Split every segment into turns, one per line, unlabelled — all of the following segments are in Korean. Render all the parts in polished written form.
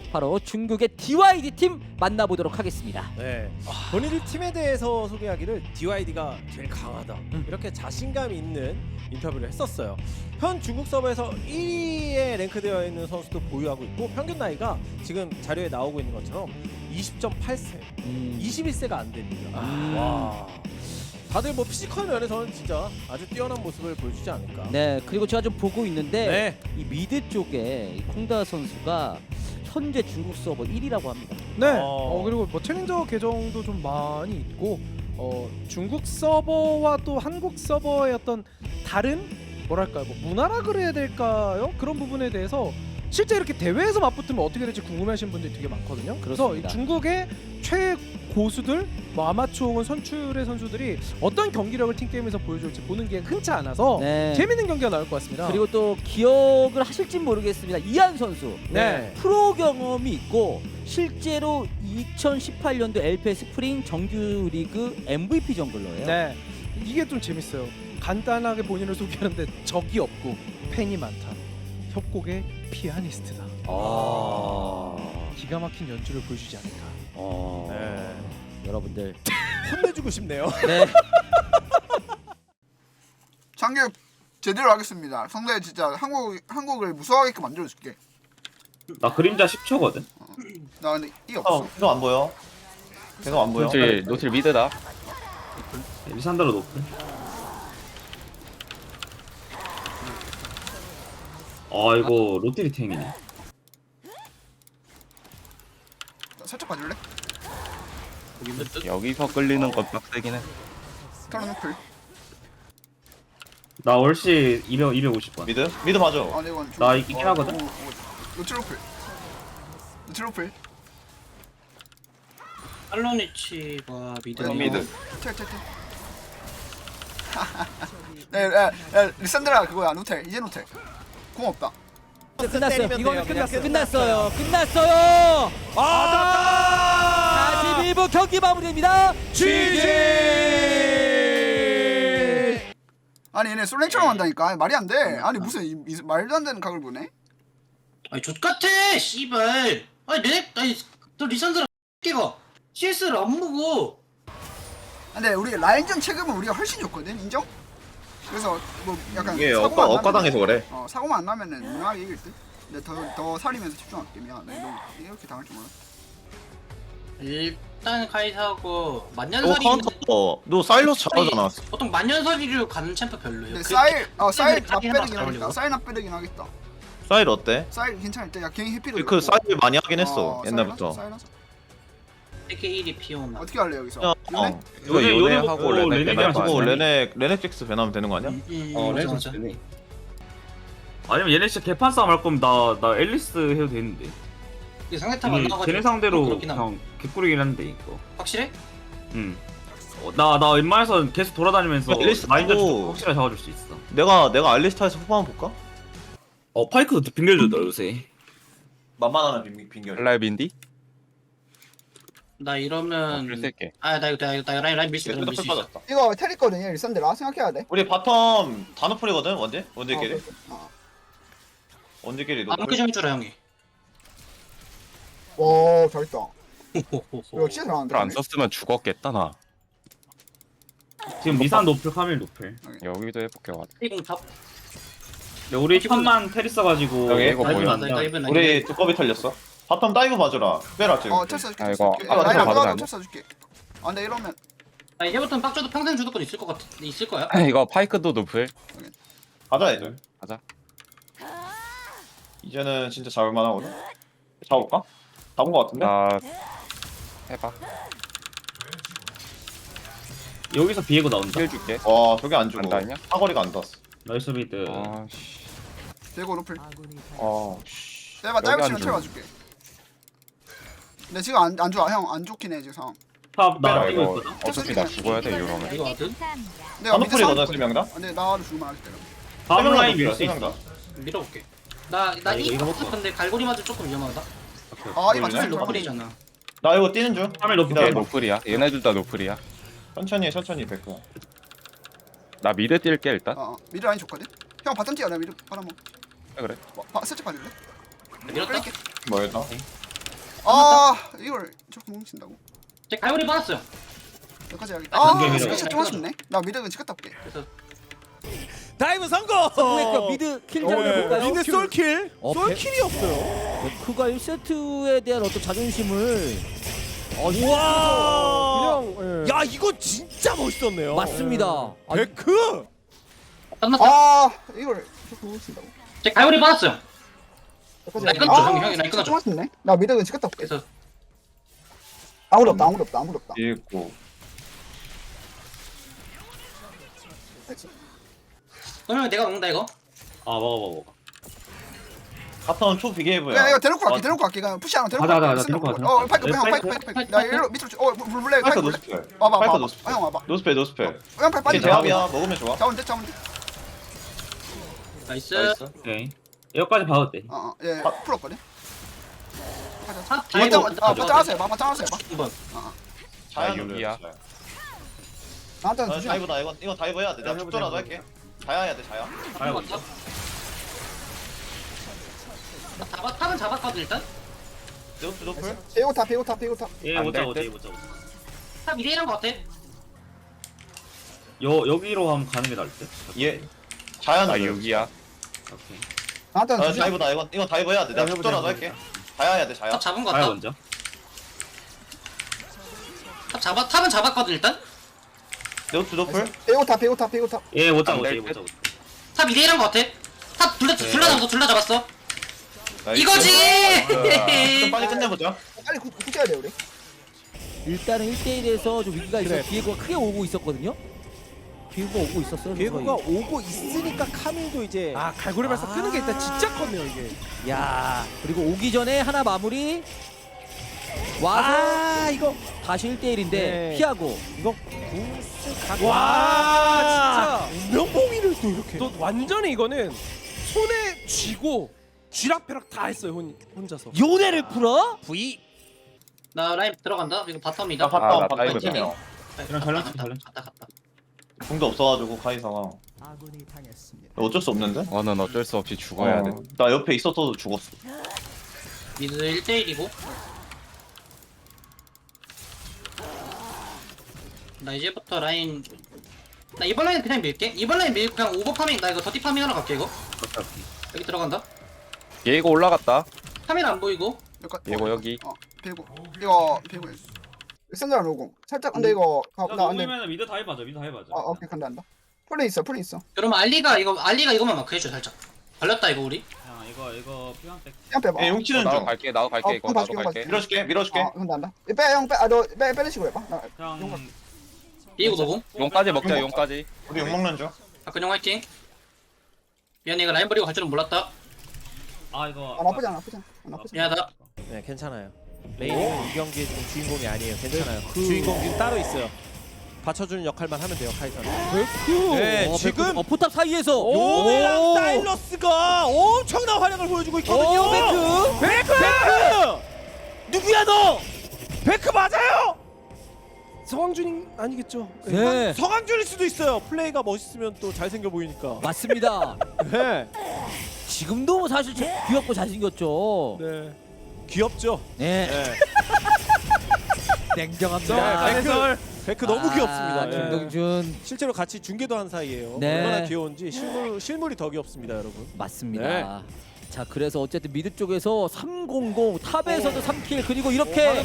바로 중국의 DYD 팀 만나보도록 하겠습니다.
네. 본인들 팀에 대해서 소개하기를 DYD가 제일 강하다. 이렇게 자신감 있는 인터뷰를 했었어요. 현 중국 서버에서 1위에 랭크되어 있는 선수도 보유하고 있고 평균 나이가 지금 자료에 나오고 있는 것처럼 20.8세, 21세가 안 됩니다. 와. 다들 뭐 피지컬 면에서는 진짜 아주 뛰어난 모습을 보여주지 않을까.
네, 그리고 제가 좀 보고 있는데
네.
이 미드 쪽에 이 콩다 선수가 현재 중국 서버 1위라고 합니다.
네.
어.
그리고 뭐 챌린저 계정도 좀 많이 있고 중국 서버와 또 한국 서버의 어떤 다른 뭐랄까요, 뭐 문화라 그래야 될까요? 그런 부분에 대해서 실제 이렇게 대회에서 맞붙으면 어떻게 될지 궁금해하시는 분들이 되게 많거든요. 그래서 이
그렇습니다.
중국의 최고수들, 뭐 아마추어 혹은 선출의 선수들이 어떤 경기력을 팀 게임에서 보여줄지 보는 게 흔치 않아서
네.
재밌는 경기가 나올 것 같습니다.
그리고 또 기억을 하실진 모르겠습니다. 이한 선수
네.
프로 경험이 있고 실제로 2018년도 LPL 스프링 정규리그 MVP 정글러예요.
네, 이게 좀 재밌어요. 간단하게 본인을 소개하는데 적이 없고 팬이 많다. 협곡의 피아니스트다. 기가 막힌 연주를 보여주지 않을까.
네.
여러분들
혼내주고 싶네요.
네.
장교 제대로 하겠습니다. 상대 진짜 한국을 무서워하게끔 만들어줄게.
나 그림자 10초거든.
나 근데 이 없어.
계속 안 보여. 계속 안 보여.
노틸 미드다.
리산드로 높은. 아 이거 로테리 탱이네.
나 살짝 봐줄래?
여기서 끌리는 건 빡세긴 해.
털어놓고.
나 월시 250번.
미드 맞아.
아, 내 이건
나 있긴 하거든?
노트로플. 노트로플.
할로니치가 미드.
미드.
텔. 야, 리산드라 그거야. 노텔. 이제 노텔. 공 없다.
끝났어요.
때리면
이거는
돼요. 그냥
끝났어요. 끝났어요. 41분 경기 마무리됩니다.
아니 얘네 솔랭처럼 한다니까. 말이 안 돼. 아니 무슨 말도 안 되는 각을 보네.
아니 족같아 씨발. 아니 너 리산드라 X가 CS를 안 보고.
근데 우리 라인전 체급은 우리가 훨씬 좋거든. 인정? 그래서 뭐 약간
이게
사고만 안
억가당해서
나면은-
그래.
사고만 안 나면은 무난하게 이길 듯. 근데 더 살리면서 집중할게. 미안해. 너 이렇게 당할 줄 몰랐어.
일단 카이사하고
너
만년설이
카운터. 너 사일러스 잘하잖아.
보통 만년설이로 가는 챔프 별로예요.
근데
그-
사일
사일
납배득이
해봐,
하겠다.
올리고.
사일 납배득이 하겠다.
사일 어때?
사일 괜찮을 때 야 개인 해피로.
그 사일 많이 하긴 했어. 옛날부터.
사일 하자.
세계 1위 피오나.
어떻게 할래 여기서?
야,
요네?
이거
요네
요네하고
먹고
레넥
레넥이랑
하고
같이
레넥잭스 배나면 되는 거 아니야?
맞아.
아니면 얘네 진짜 개판 싸움 할 거면 나 앨리스 해도 되는데.
이게 상대탑 안 나가지고.
쟤네 상대로
그렇긴 함.
그냥 개꿀이긴 한데 이거.
확실해?
나 웬만해서 계속 돌아다니면서
앨리스
마인드
하고-
확실하게 잡아줄 수 있어.
내가 알리스타에서 후반 볼까?
파이크도 빙결주다 요새.
만만하는 빙결.
라이빈디?
나 이러면
글 쓸게.
나 라인 밀수 있어. 밀수 있어.
빠졌다.
이거 테리거든요. 일산데라 생각해야 돼.
우리 바텀 다 노플이거든. 원딜끼리.
어.
원딜끼리
아무렇게
노플.
좀 해주라 형이.
와 잘했다.
호호호호.
이거 진짜 잘한다.
안 썼으면 죽었겠다 나.
지금 리산 노플, 카밀 노플.
여기도 해볼게 와.
이공 탑.
근데 우리 탑만 테리 써가지고
여기 이거
다이브는
뭐야?
안 돼.
우리 두꺼비 털렸어. 바텀 다이브 봐줘라. 빼라 지금.
텔 써줄게.
아, 이거
텔
아까
라인 안
받으면
들어가도
안 돼?
텔 써줄게. 근데 이러면
아니 이제부터는 빡쳐도 평생 주도권 있을 것 같아. 있을 거야.
이거 파이크도 노플.
가자 애들.
가자.
이제는 진짜 잡을만 하거든. 잡을까? 잡은 거 같은데?
나 해봐.
여기서 비에고 나온다.
힐 줄게.
와 저게 안 죽어.
안 닿냐?
사거리가 안 닿았어.
나이스 미드.
아씨.
대고 노플.
아씨.
내가
여기
짧은
안
치면
죽어.
채워줄게. 근데 지금 안 좋아. 형 안 좋긴 해 지금 상황.
탑나
빼라
뛰고
이거.
있거든.
어차피 나 죽어야 돼 이러면.
이거 하든
내가 미드 싸움
노플이거든
있거든.
3명 다.
근데 나도 죽으면 하겠다.
다음 라인 밀 수
명
있어.
다.
밀어볼게.
아,
나이
이거 먹고.
근데 갈고리 맞은 조금 위험하다.
아 이거
노플이네?
맞추면 좋아.
노플이잖아.
나 이거 뛰는 중.
카밀 노플.
기다려.
얘 노플이야. 얘네들 다 노플이야.
천천히 베크.
나 미드 뛸게 일단.
미드 라인 좋거든. 형 바텀 뛰어. 나 미드 바람 먹.
그래.
살짝 봐줄래?
밀었다.
끌게.
뭐였나?
아 이걸 저렇게 뭉친다고?
제 갈고리 받았어요.
여기까지 해야겠다.
아,
아
그게 미래.
스페셜 좀 아쉽네. 나 미드는 찍었다 올게.
그래서
다이브 성공.
성공했고 미드 킬 장면 볼까요?
미드 솔킬.
어,
솔킬이었어요.
베크가 1세트에 대한 어떤 자존심을
와.
그냥 예.
야 이거 진짜 멋있었네요.
맞습니다. 아,
베크.
끝났어.
아 이걸 저렇게 뭉친다고?
제 갈고리 받았어요.
여기까지
나
해야겠다.
끊죠,
아,
형이, 나
스페셜
끊어줘.
좀 아쉽네. 나 미드는 찍었다 올게.
그래서
아무도 없다. 아무도 없다. 아무도 없다.
있고.
그러면 내가 먹는다 이거.
아 먹어.
카타운 초 비게이브야.
야 이거 데리고 갈게. 데리고 갈게. 그냥 푸시 하나 데리고
가자,
갈게.
가자,
생각
데리고
보고.
가자.
어 파이크 형
파이크,
파이크 파이크. 나 이리로 밑으로 불블레
파이크
파이크.
노스펠.
와봐
파이크
와봐.
노스펠.
형 와봐.
노스펠 노스펠.
형 파이크
이게
빠지.
제압이야. 먹으면 좋아.
잡으면 돼. 잡으면 돼.
나이스.
나이스.
오케이. 여기까지 봐도 돼.
예. 풀었거든.
탑
맞짱
다이브
맞짱 하세요. 맞짱 하세요.
한번.
아, 여기야.
나한테는 주지.
다이브다. 이거 다이브 해야 돼. 내가 축전라도 할게. 자야 해야 돼. 자야.
한 번. 탑은 잡았거든 일단.
노스 노플.
배우타 배우타 배우타.
예,
안
못자
될
못자
듯?
못자.
탑 2대1한 거 같아.
여기로 한번 가는 게 나을 듯.
얘 자야는
아 여기야.
오케이.
나한테는 주지.
다이브다. 이거 다이브 해야 돼. 내가 축전라도 할게. 자야 해야 돼. 자야.
탑 잡은 거
가야
같다.
먼저.
탑은 잡았거든 일단.
노스 노플.
배우타 배우타 배우타.
예, 못자
안
못자
될
못자.
탑 2대1한 거 같아. 탑 둘러 잡았어. 둘러 잡았어.
나이스.
이거지.
좀 빨리 끝내보자.
빨리 굳혀야 돼 우리.
일단은 1대1에서 좀 위기가 있어.
그래.
비에고가 크게 오고 있었거든요. 비에고가 오고 있었어요.
비에고가 오고 있으니까 카밀도 이제
아 갈고리 발사 끄는 게 일단 진짜 컸네요 이게.
야 그리고 오기 전에 하나 마무리 와서 이거 다시 1대1인데
네.
피하고
이거 궁스 각.
와 진짜.
운명봉이를 또 이렇게.
또 완전히 이거는 손에 쥐고 쥐락펴락 다 했어요 혼자서.
요네를 풀어?
V.
나 라인 들어간다. 이거 바텀이다.
나
아, 나
바텀
다이브
바텀
되네요.
이런 전략치, 전략치.
갔다.
궁도 없어가지고 카이사가. 어쩔 수 없는데?
너는 어쩔 수 없이 죽어야 돼.
나 옆에 있었어도 죽었어.
미드 1대1이고. 나 이제부터 라인. 나 이번 라인 그냥 밀게. 이번 라인 밀고 그냥 오버 파밍. 나 이거 더티 파밍 하러 갈게 이거. 여기 들어간다.
얘가 올라갔다.
카메라 안 보이고.
얘고 여기.
배고. 이거 배고. 센터 로공. 살짝 근데 이거
야,
나 안돼.
녹으면 미드 다이브 하자. 미드 다이브 하자.
오케이 간다 간다. 풀이 있어.
그러면 알리가 이거만 마크 해줘 살짝. 걸렸다 이거 우리.
야, 이거 피한 백.
그냥 빼봐.
얘 용치는
나도
중.
갈게. 나도 갈게. 이거
봐,
나도
봐,
갈게.
밀어줄게.
간다 간다. 빼형 빼. 아너 빼는 식으로 해봐. 나
그냥
이거 노공.
용까지 먹자. 용까지.
우리 욕 먹는 중.
박근영 화이팅. 미안해 이거 라인 버리고 갈 줄은 몰랐다.
이거
나쁘지 않아.
미안하다.
네 괜찮아요. 레이는 이 경기에 좀 주인공이 아니에요. 괜찮아요. 주인공은 따로 있어요. 받쳐주는 역할만 하면 돼요 카이사는.
베크.
네 지금
포탑 사이에서
요네랑 사일러스가 엄청난 활약을 보여주고 있거든요.
오,
베크!
누구야 너?
베크 맞아요.
서광준이 아니겠죠?
네
성황준일 수도 있어요. 플레이가 멋있으면 또 잘생겨 보이니까.
맞습니다.
네.
지금도 사실 귀엽고 잘생겼죠.
네. 귀엽죠.
네,
네.
냉정합니다.
베크 너무 귀엽습니다. 네.
김동준
실제로 같이 중계도 한 사이예요.
네.
얼마나 귀여운지 실물이 더 귀엽습니다, 여러분.
맞습니다. 자 그래서 어쨌든 미드 쪽에서 300 탑에서도 3킬 그리고 이렇게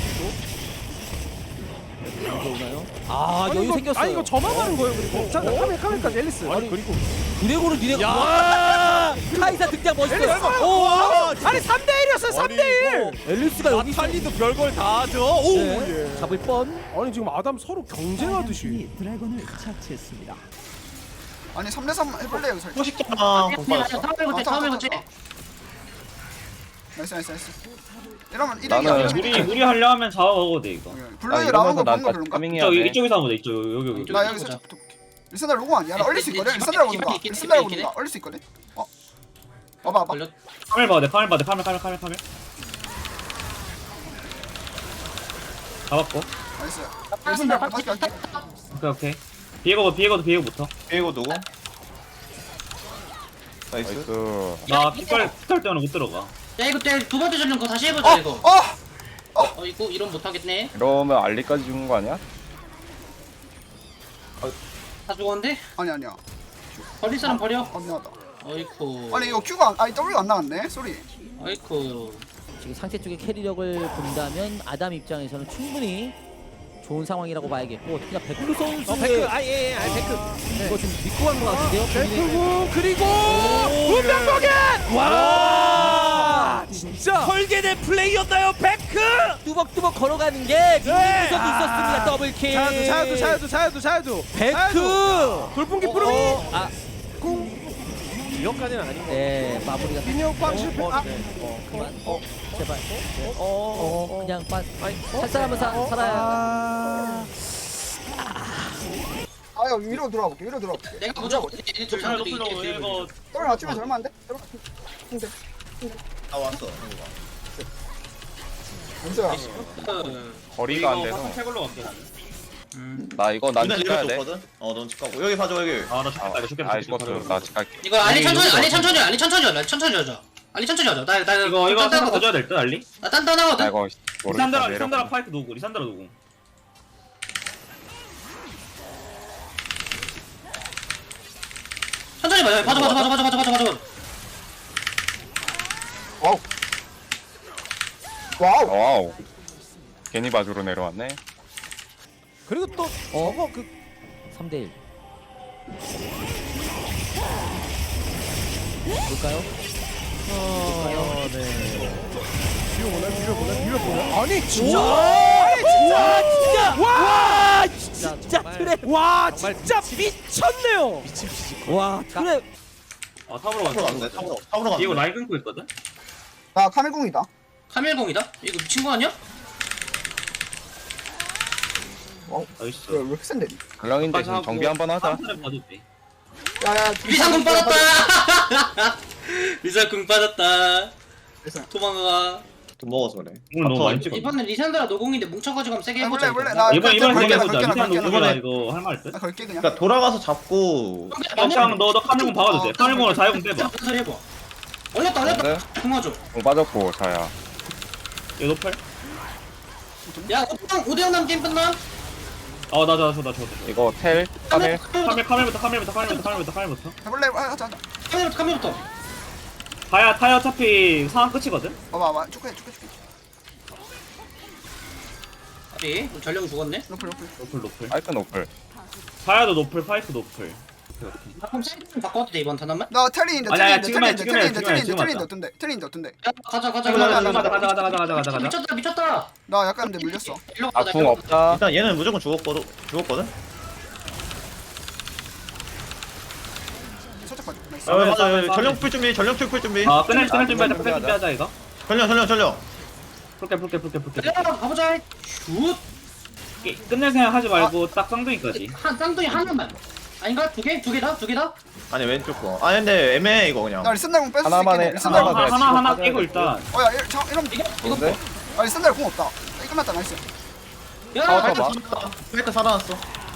여유 생겼어요.
아니 이거 저만 하는 거예요. 그리고 자 카메라까지 앨리스.
아니 그리고
드래곤을 니네
야!
카이사 등장 멋있어요.
와,
아니 3대1이었어요. 3대1.
앨리스가 여기
나탈리도 별걸 다 하죠. 오,
네,
예.
잡을 뻔.
아니 지금 아담 서로 경쟁하듯이.
아니 3대3 해볼래 여기 살짝.
포식자만 공 빠졌어.
다음에 붙지.
나이스. 이러면
나는
이득이야.
우리 하려 하면 잡아먹어도 돼 이거.
블루에
이러면서
나오는 거
난
본거 별론가?
타밍해야
이쪽
돼.
이쪽에서 하면 돼. 이쪽 여기.
나 여기 살짝 리산드라 로공 아니야? 나 얼릴 수 있거든? 리산드라 오는가? 리산드라 오는가? 얼릴 수 있거든? 와봐
걸렸.
카멜 봐도 돼. 카멜. 잡았고.
나이스. 리산드라 다시 갈게.
오케이. 비에고부터.
비에고 누구? 나이스.
나이스.
나 핏갈 때문에 못 들어가.
야 이거 때 두 번째 전령 그거 다시 해보자 이거. 어이구 이런 못하겠네.
이러면 알리까지 죽는 거 아니야?
다 죽었는데?
아니야.
버릴 사람 버려.
미안하다.
어이쿠.
아니 이거 Q가 아니 W가 안 나갔네. 쏘리.
어이쿠.
지금 상체 쪽의 캐리력을 본다면 아담 입장에서는 충분히 좋은 상황이라고 봐야겠고 특히나 백루 선수의
백크 아예 백크.
이거 좀 믿고 간 것 같은데요.
벨크고 그리고 운명보겐 와 진짜
설계된 플레이였나요 백크?
뚜벅뚜벅 걸어가는 게 민민구석이 있었습니다. 더블킬.
자야도
백크.
돌풍기 뿌르미
이것까지는 아닌 거.
네 마무리가
민혁 빵 실패
그만 제발 그냥 살 사람은 살아야
아야 위로 돌아볼게.
내가 무조건
높을 높을 이거
떨어 맞추면 절마 안 돼?
아 왔어.
문서야.
거리가 안
이거
돼서.
화상 태블로 갈게.
나 이거 난
누나
찍어야
리버
돼.
줬거든. 넌 집가고 여기 봐줘 여기.
아나 죽겠다 이거 죽겠다.
아 죽었어. 나 찍을게.
이거 알리 천천히 하자. 알리 천천히 하자. 나
이거 하나
딴딴하거든.
더 줘야 될듯 알리?
나
나
딴딴하거든.
이거
리산드라
모르겠다.
리산드라 파이크 노구 리산드라 노구.
천천히 봐요. 봐줘.
와우.
와우. 괜히 바주로 내려왔네.
그리고 또 저거 그
3대1 볼까요?
아니 진짜
와 진짜 트랩
와 진짜 미쳤네요.
와 트랩
아 탑으로
탑으로
갔어.
갔네. 탑으로
이거
갔네.
라인 끊고 있거든.
나 카멜공이다.
카멜공이다? 이거 미친 거 아니야?
나이스.
왜 이렇게 센데?
글랑인데 지금 정비 한번 하자.
한타를 봐도 돼.
야야.
리상궁 빠졌다. 리상궁 빠졌다.
리상.
도망가.
돈 먹어서 그래.
오늘 너무 많이 찍어.
이번엔 리산드라 노공인데 뭉쳐가지고 한번 세게 해보자.
몰래.
이거.
나
이번
걸게,
세게
나
보자.
걸게, 나
리산
걸게, 나
노구라
걸게.
이거 할 말 듯.
나 걸게 그냥.
그러니까 돌아가서 잡고.
그냥 너 카멜공 박아도 돼. 카멜공으로 자유공 빼봐.
소리 해봐. 올렸다.
근데
궁화줘.
공 빠졌고 자야.
이거 노플?
야 5대0 남 게임 끝나?
나 줘.
이거 텔 카멜.
카멜부터.
해볼래? 하자.
카멜부터.
타야 어차피 상황 끝이거든.
봐봐. 축구해.
아비 전령 죽었네.
높을.
노플.
파이크 노플.
타야도 노플, 파이크 노플.
나 그럼 세이브 바꿔도 돼 이번 턴 한번?
나 텔린인데.
아니야, 지금 해.
텔린인데 어떤데?
야 가자.
가자.
미쳤다.
나 약간 근데 물렸어.
일로 가자.
아궁 없다.
일단 얘는 무조건 죽었거든.
살짝 봐줘. 나이스.
맞아. 전령 풀 준비.
끝낼 준비하자 이거.
전령.
풀게.
가보자. 슛.
끝낼 생각 하지 말고 딱 쌍둥이까지.
한 쌍둥이 하나만. 아닌가? 두 개 다?
아니 왼쪽 거. 아니 근데 애매해 이거 그냥.
나 리산달공 뺏을 수
하나만
있겠네.
해,
리산달공.
하나만 해.
하나 깨고 일단.
어야 이러면
뭔데?
아 리산달 공 없다. 끝났다. 나이스.
야,
타워 봐.
페이크 살아났어.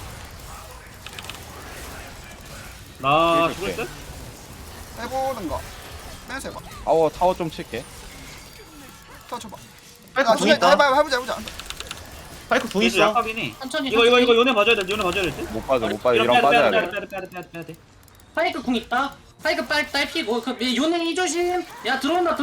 나 죽을 듯?
해보는가. 빼면서 해봐.
타워 좀 칠게.
더 쳐봐.
페이크
나
궁
진짜
있다.
해보자.
페이크 궁
그래도
있어.
약하긴
천천히.
이거 요네 봐줘야 될 듯?
못 빠져. 이런 빠져야 돼.
빼야 돼.
파이크 궁 있다. 파이크 빨리 피고 그 요네 이 조심. 야 들어온다.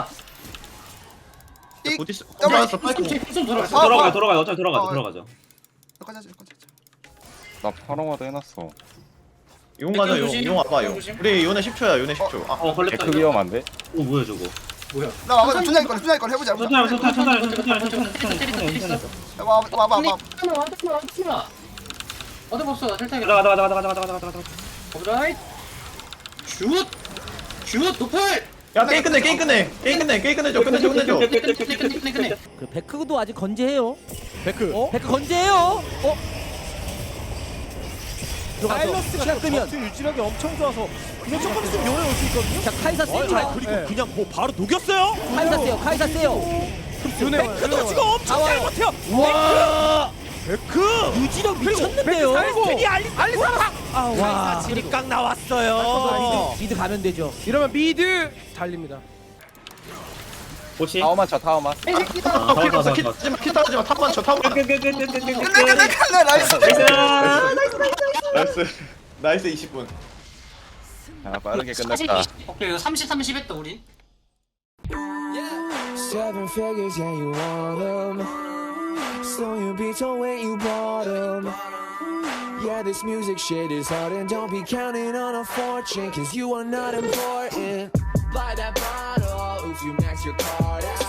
어디 있어?
더블.
들어왔어. 페이크 궁.
좀 들어왔어.
들어가요. 어차피 들어가죠.
여기까지 하자.
나 파롱화도 해놨어.
용 가자 용.
조심.
용 와봐 용.
조심.
우리 요네 10초야. 요네 10초. 아,
걸렸다.
데크 위험한데?
오 뭐야 저거.
나 와봐. 준장이 걸 해보자.
천천히.
와봐.
어디 봤어? 텔타기.
가자.
오브라이. 슛 노플.
야 게임 끝내. 끝내줘.
끝내.
그 베크도 아직 건재해요.
백크.
베크 건재해요.
사일러스가
시간 끄면
전투 유지력이 엄청 좋아서 그냥 조금 좀 요래 올수 있거든요.
자 카이사 세죠.
그리고 그냥 뭐 바로 녹였어요.
카이사 세요.
백크도 지금 엄청 잘
나와요.
버텨.
와
백크.
유지력 미쳤는데요.
괜히 알리사랑.
와
질이 깡 나왔어요.
미드 가면 되죠.
이러면 미드 달립니다.
보시.
타워만 쳐 타워만.
키 따라지 마. 키 따라지 마. 타만 쳐. 타만.
끝내 나이스.
나이스. 나이스 20분.
아 빠르게
40,
끝냈다.
20. 오케이 이거 30 했다 우리.
Seven figures, yeah, you want them. So you be told when you bought them. Yeah, this music shit is hard, and don't be counting on a fortune, cause you are not important. Buy that bottle if you max your card out.